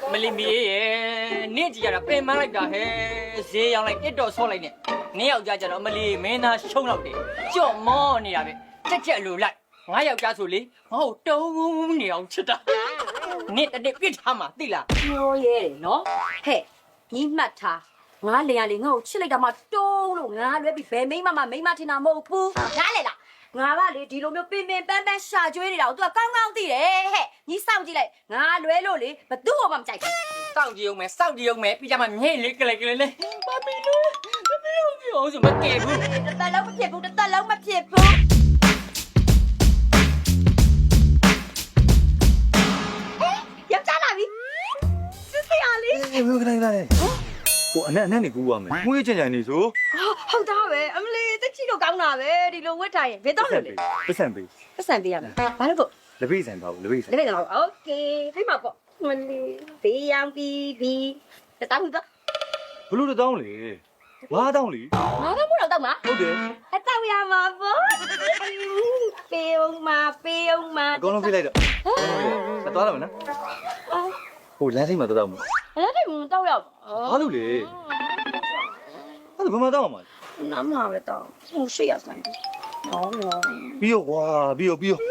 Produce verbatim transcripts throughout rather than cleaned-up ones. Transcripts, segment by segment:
မလီမီရဲ့နေ့ကြည့်ရတာပင်မလိုက်တာဟဲ့ဈေးရောက်လိုက်တစ်တော်ဆော့လိုက်နဲ့နေ့ယောက်ျားကျတော့မလီမင်းသားရှုံးတော့တယ်ကြော့မောနေတာပဲချက်ချက်လိုလိုက်ငါယောက်ျားဆိုလေဟောတုံးနေအောင်ချစ်တာနေ့တနေ့ပြစ်ထားမှာသိလားပြောရဲတယ်နော်ဟဲ့ညီမှတ်ထားငါလေရလေငါ့ကိုချစ်လိုက်တာမှတုံးလို့ငါလွဲပြီးဘယ်မိမမမိမထင်တာမဟုတ်ဘူးနားလေလားငါကလေဒီလိုမျိုးပင်ပင်ပန်းပန်းရှာကျွေးနေတာကို तू ကကောင်းကောင်းသိတယ်ဟဲ့ညီစောင့်ကြည့်လိုက်ငါလွဲလို့လေဘသူ့မှမကြိုက်ဘူးစောင့်ကြည့်အောင်မယ်စောင့်ကြည့်အောင်မယ်ပြီးကြမှာမြဲလေးကလေးကလေးလေးမမီလို့မမီလို့ပြောစမကဲဘူးတစ်သက်လုံးမဖြစ်ဘူးတစ်သက်လုံးမဖြစ်ဘူးယောက်ျားလာပြီစစ်စစ်အားလေးအေးဘယ်ကနေလာလဲဟိုအနက်အနက်နေကူရမယ်ငွေချင်ချင်နေဆိုဟုတ်သားပဲအမလေးတက်ချီတော့ကောင်းတာပဲဒီလိုဝတ်ထားရင်ဘယ်တော့လို့လဲပတ်စံပေးပတ်စံပေးရမယ်ဘာလို့ပေါ့လက်ပိတ်ဆိုင်ပါဘူးလက်ပိတ်ဆိုင်လက်ပဲတော့โอเคဖိမပေါ့မလေးဘေးရောင်ပြီးပြီးတတောင်းတော့ဘလို့တောင်းလေငါးတောင်းလေငါကမို့တော့တောက်မှာဟုတ်တယ်အတောက်ရမှာပေါ့ပေးအောင်မပေးအောင်မအကုန်လုံးပြလိုက်တော့ဆက်သွားရမယ်နော်ဟိုလမ်းစိတ်မှာတောင်းမှာအဲ့ဒါကတောက်ရဘာလို့လဲအဲ့ဒါဘယ်မှာတောင်းမှာနားမှာပဲတောက်ဟိုရှိရဆိုင်ဟောနော်ပြီးရောကွာပြီးရောပြီးရော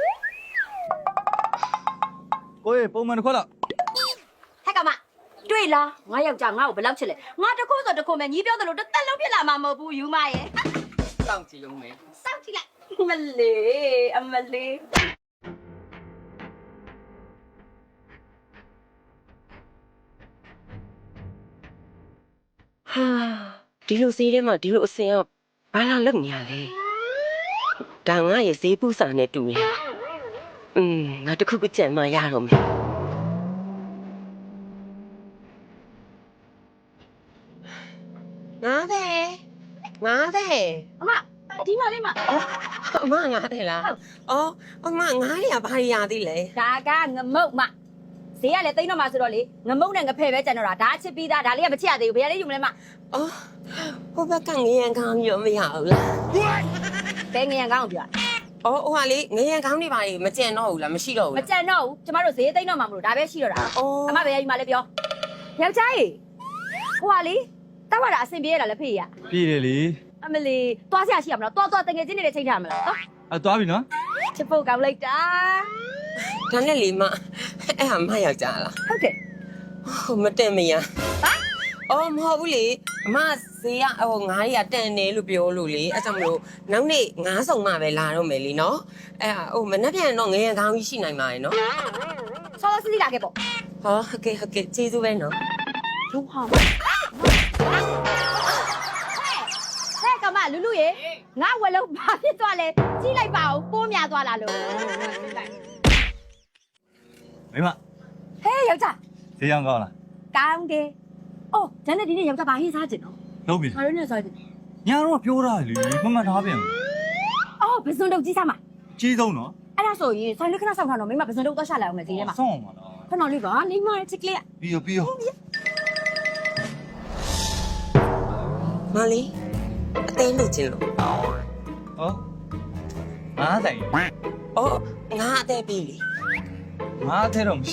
ကိုယ်ပုံမှန်တစ်ခွက်လောက်ဟဲ့ကမတွေ့လားငါယောက်ျားငါ့ကိုဘယ်လောက်ချစ်လဲငါတခုဆိုတခုမဲ့ညီပြောသလိုတစ်သက်လုံးဖြစ်လာမှာမဟုတ်ဘူးယူမရဲ့စောင့်ကြည့်အောင်မယ်စောင့်ကြည့်လိုက်မလေးအမလေးဟာဒီလိုဈေးထဲမှာဒီလိုအစင်ကဘာလာလောက်နေရလဲဒါငါရဲ့ဈေးပူစာနဲ့တူတယ်อืมငါတခုခုကြံမှရတော့မယ်ငါတဲ့ငါတဲ့အမဒီမှာလေးမအမငါတဲ့လားအော်အမငါရဘာရသေးလဲဒါကငမုတ်မဈေးကလည်းတိတ်တော့မှဆိုတော့လေငမုတ်နဲ့ငဖဲ့ပဲကျန်တော့တာဒါအချစ်ပြီးသားဒါလေးကမချစ်ရသေးဘူးဘယ်ရလေးယူမလဲမအော်ဟိုဘက်ကငရံကောင်းရောမရဘူးလားဘယ်ငရံကောင်းကိုပြောအော်ဟိုဟာလေငရံကောင်းနေပါလေမကြံတော့ဘူးလားမရှိတော့ဘူးမလားကြံတော့ဘူးကျမတို့ဈေးတိတ်တော့မှမလို့ဒါပဲရှိတော့တာအော်အမဘယ်ရယူမလဲပြောယောက်ျားကြီးဟိုဟာလေတောက်ရတာအဆင်ပြေရတာလည်းဖေးရပြေးတယ်လေအမလီသွားစရာရှိရမလားသွားသွားတငယ်ချင်းတွေချိန်ထားမလားဟောအဲသွားပြီနော်ချစ်ဖို့ကောင်းလိုက်တာဒါနဲ့လေမအဲ့ဟာမယောက်ျားလားဟုတ်တယ်ဟိုမတက်မရဟာအော်မဟုတ်ဘူးလေအမဈေးကဟိုငါးတွေကတန်တယ်လို့ပြောလို့လေအဲ့ကြောင့်မလို့နောက်နေ့ငါးဆောင်မှပဲလာတော့မယ်လीနော်အဲ့ဟာဟိုမနှက်ပြန်တော့ငရံကောင်းကြီးရှိနိုင်ပါရဲ့နော်ဆောဆောစီစီလာခဲ့ပေါ့ဟောဟုတ်ကဲ့ဟုတ်ကဲ့ကျေးဇူးပဲနော်လူဟာဟဲ့ကမလူလူရေငါဝက်လုံးဘာဖြစ်သွားလဲကြီးလိုက်ပါဦးပိုးများသွားလားလို့မိမဟဲ့ယောက်ျားဈေးရောင်းကောင်းလားကောင်းတယ်အော်ဒါနဲ့ဒီနေ့ယောက်ျားဘာဟင်းစားကြင်နော်လုံးပြီငါတို့နဲ့စားကြင်ညာတော့ပြောတာလေမမှန်ထားပြန်အော်ဘယ်စုံတုတ်ကြီးစားမှာကြီးဆုံးနော်အဲ့ဒါဆိုရင်ဆိုင်လေးခဏဆောက်ထားတော့မိမဘယ်စုံတုတ်သွားရှာလိုက်အောင်မယ်ဈေးထဲမှာဆောင်းအောင်ပါလားခဏလေးပါနေမချစ်ကလေးပြီးရောပြီးရောမလေးအသေးလို့ချင်းလို့ဟောငါးဆိုင်အော်ငါအသေးပြီလေငါးထဲတော့မရှိ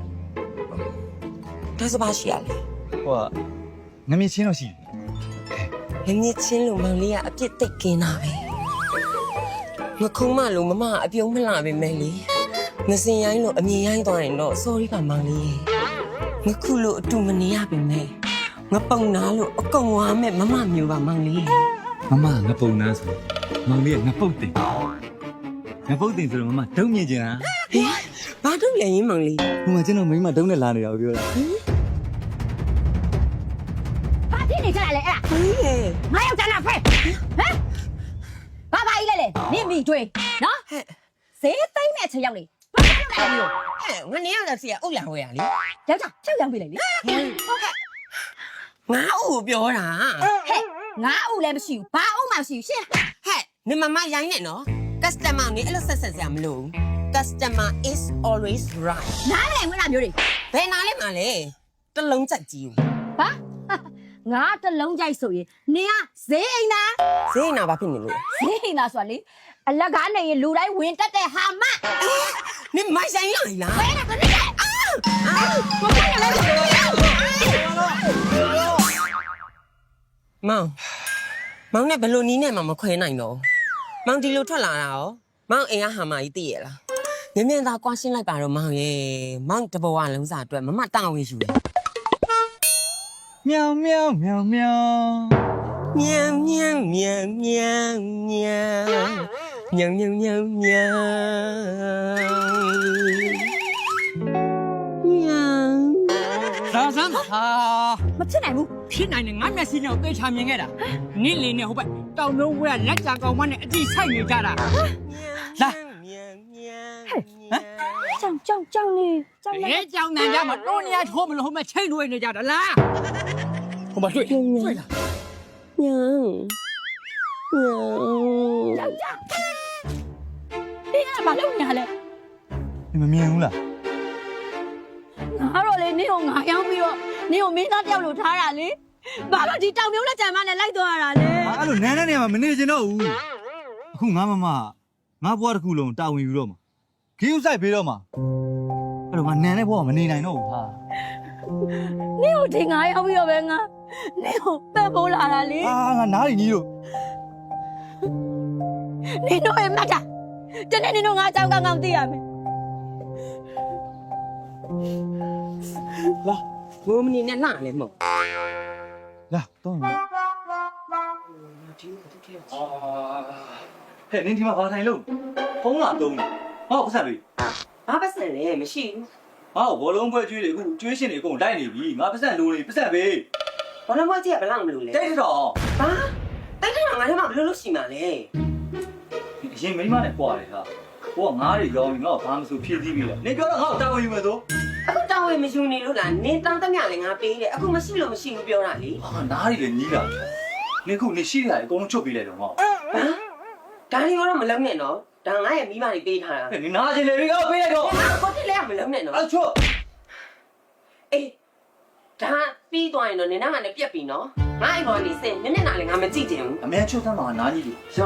ဒါဆိုပါရှိရလေဟိုကငမြချင်းတော့ရှိငမြချင်းလို့မောင်လေးကအပြစ်တိတ်ကင်းတာပဲငခုံးမလို့မမအပြုံးမလာပဲမယ်လေငစင်ရိုင်းလို့အမြင်ရိုင်းသွားရင်တော့ sorry ပါမောင်လေးငခုလို့အတူမနေရပါနဲ့ငပုံနာလို့အကုန်ဝါမဲ့မမမျိုးပါမောင်လေးမမငပုန်နာဆိုမောင်လေးကငပုတ်တင်ငပုတ်တင်ဆိုတော့မမဒုံမြင်ချင်တာဟေးဘာတို့လဲရင်မောင်လေးဟိုမှာကျွန်တော်မိမဒုံနဲ့လာနေတာကိုပြောတာဘာဖြစ်နေကြလဲအဲ့ဒါဟေးငါယောက်ျားလားဖဲဟမ်ဘာဘာကြီးလဲလေနင့်မိတွေးနော်ဟဲ့ဈေးသိမ့်မဲ့ချက်ရောက်နေဘာလို့လဲမျိုးဟဲ့ငါနေရတော့စီကအုတ်လာဟောရလေယောက်ျားချက်ရောက်ပြီလေငါအုပ်ပြောတာဟဲ့ငါအုပ်လည်းမရှိဘူးဘာအုပ်မှမရှိဘူးရှင်းဟဲ့နေမမရိုင်းနဲ့နော် customer နေအဲ့လိုဆက်ဆက်စရာမလို customer is always right နားမလည်ဝင်တာမျိုးတွေဘယ်နာလဲမလဲတလုံးချက်ကြီးဟာငါတလုံးကြိုက်ဆိုရင်နင်ကဈေးအိမ်သားဈေးနာဘာဖြစ်နေလို့ဈေးအိမ်သားဆိုတာလေအလက်ကားနေရင်လူတိုင်းဝင်တက်တဲ့ဟာမနေမိုက်ဆိုင်လိုက်လားဘယ်နဲ့ကနစ်အာအာဘာဖြစ်နေလဲမောင်မောင်နဲ့ဘလို့နီးနဲ့မှမခွဲနိုင်တော့မောင်ဒီလိုထွက်လာတာရောမောင်အိမ်ကဟာမကြီးသိရလားမြင်မြင်သာကွာရှင်းလိုက်ပါတော့မောင်ရဲ့မောင်တဘောကလုံးစားအတွက်မမတောင်းဝင်ယူတယ်喵喵喵喵。 喵喵喵喵喵喵喵喵喵喵ဒါစမ်းဟာမဖြစ်နိုင်ဘူးဖြစ်နိုင်တယ်ငါမျက်စိနဲ့သိချာမြင်ခဲ့တာနင့်လေနဲ့ဟိုဘက်တောင်လုံးဝဲလက်ကြကောင်မနဲ့အကြည့်ဆိုင်နေကြတာလာကြောင်ကြောင်ကြောင်နေကြောင်နေဘယ်ကြောင်နံကြမှာတိုးနေရထိုးမလို့ဟိုဘက်ချိန်လွှဲနေကြတာလားဟိုဘက်တွေ့တွေ့လား喵喵ကြောင်ကြောင်ဒီကဘာလုပ်နေရလဲ你们面红了？ ငါတော့လေနင့်ကိုငါရောက်ပြီးတော့နင့်ကိုမင်းသားတယောက်လိုထားတာလေဘာလို့ဒီတောင်မျိုးလက်ကြံမနဲ့လိုက်သွားရတာလဲ啊，အဲ့လိုနန်းတဲ့နေရာမှာမနေချင်တော့ဘူးအခုငါမမငါဘွားတစ်ခုလုံးတာဝန်ယူတော့မှာခီးဥဆိုင်ပေးတော့မှာအဲ့တော့ငါနန်းတဲ့ဘွားကမနေနိုင်တော့ဘူးဟာနင့်ကိုဒီငါရောက်ပြီးတော့ပဲငါနင့်ကိုပတ်ဖို့လာတာလေအာငါနားရီကြီးတို့နင်တို့ရဲ့မှတ်တာတနေ့နင်တို့ငါအကြောင်းကောင်းကောင်းသိရမယ်လာဘိုးမနီနဲ့လာလေမောင်လာတော့မှာဟဲ့နင်းဒီမှာဘာထိုင်လို့ဖုံးလာတုံးနေဟောပတ်ဆက်ပြီဘာပတ်စံလဲမရှိဘူးဟောဘောလုံးပွဲကျွေးတွေအခုကျွေးရှင်တွေအကုန်လိုက်နေပြီငါပတ်ဆက်လိုနေပတ်ဆက်ပဲဘာလို့မကြည့်ဘလောက်မလို့လဲတိတ်တော့ဘာတိုက်ထိုင်ငါတို့မှဘလို့လို့ရှိမှာလဲအရင်မိမနဲ့ပွားတယ်ဟာဟိုကငါးတွေရောင်းပြီးငါ့ကိုဘာမှမဆိုဖြည့်သီးပြီလေနင်ပြောတော့ငါ့ကိုတာဝန်ယူမယ်ဆိုအခုတောင်းဝေမယူနေလို့လားနင်းတောင်းတမျှလည်းငါပေးတယ်အခုမရှိလို့မရှိဘူးပြောတာလေဟာနားတွေလည်းညီးလာနင်ခုနေရှိရတယ်အကုန်လုံးချုပ်ပေးလိုက်တော့ဟောဒါလေးကတော့မလုံးနဲ့နော်ဒါငါရဲ့မိမတွေပေးထားတာနင်နားချင်လေပြီကောပေးလိုက်တော့ငါကိုတိလည်းမလုံးနဲ့နော်အဲ့ချုပ်အေးဒါပြီးသွားရင်တော့နင်နာကလည်းပြက်ပြီနော်ငါအိမ်ပေါ်နေစင်နင်းနေတာလည်းငါမကြည့်ချင်ဘူးအမေချုပ်သမ်းမှာနားကြီးပြီရော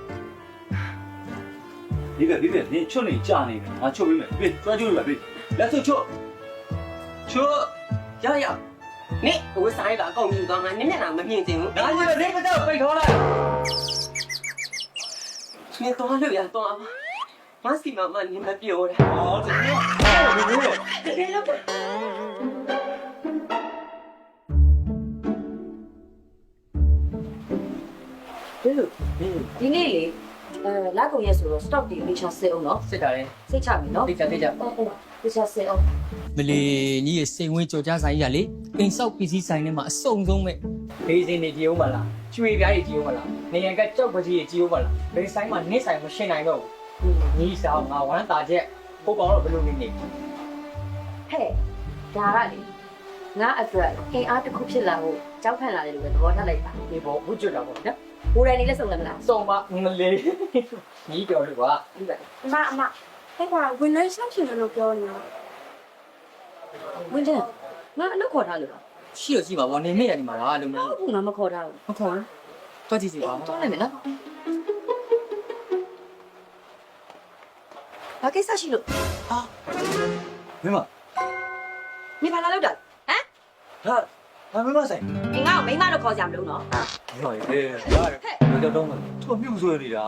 ဒီပဲဒီပဲနင်ချုပ်နေကြာနေတယ်ငါချုပ်ပေးမယ်ပြေးကျွမ်းကျိုးရပြီလက်စုပ်ချုပ်ချုပ်ရရနင်ဝစားရတာအကုန်ယူသွားငါနင်းနေတာမမြင်ချင်ဘူးနားကြီးပဲနင်ကတော့ပိတ်ထောလိုက်နင်တော့လို့ရတော့မစီမမနင်မပြောတာဟောတကယ်ဟောဘယ်လိုလဲတကယ်လို့ဘယ်လိုဒီနေ့လေအဲလာကုန်ရက်ဆိုတော့ stock တွေအချစစ်အောင်နော်စစ်တာလေစိတ်ချပြီနော်တိတ်ကြတိတ်ကြဟုတ်ဟုတ်အချစစ်အောင်မလီညီရဲ့စိတ်ဝင်းကြော်ကြဆိုင်ကြီးကလေအိမ်ဆောက်ပစ္စည်းဆိုင်ထဲမှာအစုံဆုံးပဲဘေးစင်းနေကြည့်ဦးမလားကျွေပြားတွေကြည့်ဦးမလားနေရန်ကကြောက်ပကြီးတွေကြည့်ဦးမလားဘေးဆိုင်မှာနစ်ဆိုင်မရှင်းနိုင်တော့ဘူးညီဆောင်ငါဝမ်းတာချက်ဟိုကောင်တော့ဘယ်လိုနေနေဟဲ့ဒါကလေငါအတွက်အင်အားတစ်ခုဖြစ်လာဖို့ကြောက်ခံလာတယ်လို့ပဲသဘောထားလိုက်ပါဒီပေါ်ဝှကျွတ်တာပေါ့နော်ကိုယ်တိုင်နေလက်ဆောင်လည်းမလားစုံပါမလေးညီပြောလို့ပါဒီပဲအမအမဟဲ့ကွာဝင်လိုက်ဆောင်ချင်တယ်လို့ပြောနေတာဝင်တယ်ငါအလုပ်ခေါ်ထားလို့လားရှိတော့ရှိပါဘောနေနေရနေမှာလားလို့မဟုတ်ဘူးငါမခေါ်ထားဘူးမခေါ်တော့ကြည့်စီပါတော့လိုက်မယ်နော်ဘာကိစ္စရှိလို့မင်းမနေပါလာလို့တာဟမ်ဟာဟာမင်းမဆိုင်အင်ငါ့ကိုမိမလို့ခေါ်ကြမလို့နော်ဟောရေရတယ်တော့တော့သူ့မြုပ်ဆွဲနေတာ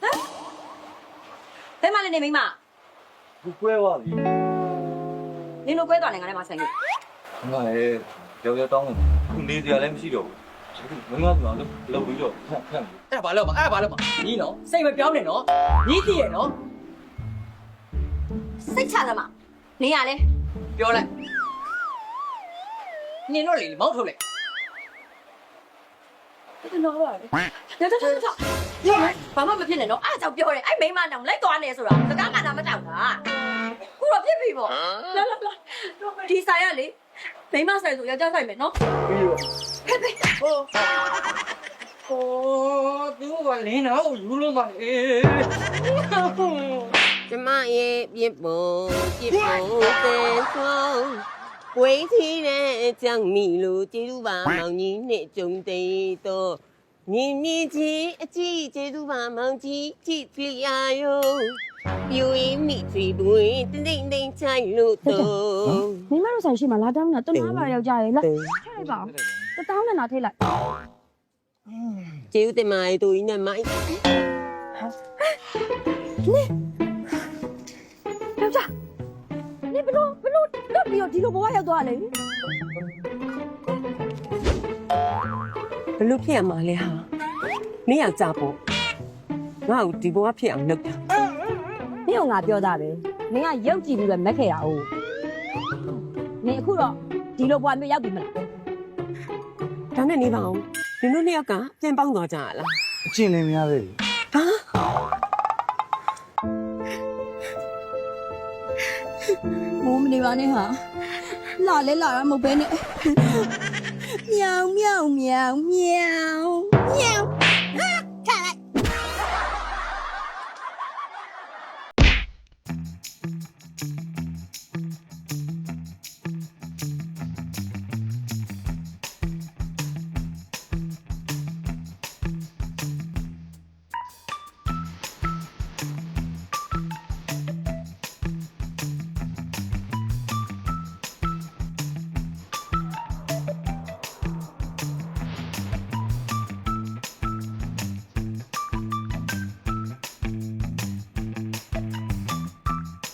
ဘယ်မှလည်းနေမိမဘူးကွဲသွားပြီနင်တို့ကွဲသွားနေငါလည်းမဆိုင်လို့ငါလေကြောက်ကြောက်တောင်းခုနေစရာလည်းမရှိတော့ဘူးမင်းမကလည်းလောက်ပြီးတော့ဖက်ဖက်အဲ့ဒါဘာလို့မအဲ့ဒါဘာလို့မညီနော်စိတ်မပြောင်းနဲ့နော်ညီတည်ရနော်စိတ်ချသမားနေရလဲပြောလိုက်နင်တို့လေမောက်ထုတ်လိုက်ဘယ်လိုပါလဲတော်တော်တော်တော်ရောဘာမှမဖြစ်နဲ့နော်အားကြောင့်ပြောတယ်အဲ့မိမနောင်လိုက်သွားနေဆိုတာစကားမှနာမတောက်တာခုတော့ဖြစ်ပြီပေါ့လာလာလာဒီဆိုင်ရလေမိမဆိုင်ဆိုယောက်ျားဆိုင်မယ်နော်ပြီးတော့ဟဲ့ဟဲ့ဟိုဟိုသူကလင်းတော့ယူလို့ပါလေကျမရဲ့ပြစ်ဖို့ပြစ်ဖို့တဲ့ဆုံးဝေးထီးတဲ့အကြောင်းမီလို့ကျေးဇူးပါမောင်ကြီးနဲ့ကြုံသေးတော့မြင်မြင်ချင်းအကြည့်ကျေးဇူးပါမောင်ကြီးကြည့်ပြရယောပြူရင်မိချီပွင့်တင်းတင်းတင်းချိုင်လို့တော့မိမတို့ဆိုင်ရှိမှလာတောင်းတာတနာပါယောက်ျားရေလာထည့်လိုက်ပါတတောင်းနဲ့နာထည့်လိုက်ကျေးဇူးတင်ပါတယ်တူကြီးနဲ့မိုက်ယောက်ျားနင်ဘလို့ဘလို့တော့ပြီးတော့ဒီလိုဘဝရောက်သွားလေဘလို့ဖြစ်ရမှာလဲဟာနေရကြပေါ့ငါ့ကိုဒီဘဝဖြစ်အောင်လုပ်တာနင်ကငါပြောတာပဲနင်ကရုပ်ကြည့်ပြီးပဲမက်ခဲ့တာ哦နင်အခုတော့ဒီလိုဘဝမျိုးရောက်ပြီမလားဒါနဲ့နေပါအောင်ဒီလိုနှစ်ယောက်ကပြန်ပေါင်းသွားကြရလားအချင်းလင်းများပဲလေမိုးမနေပါနဲ့ဟာလာလဲလာတာမဟုတ်ပဲနဲ့မြောင်မြောင်မြောင်မြောင်မြောင်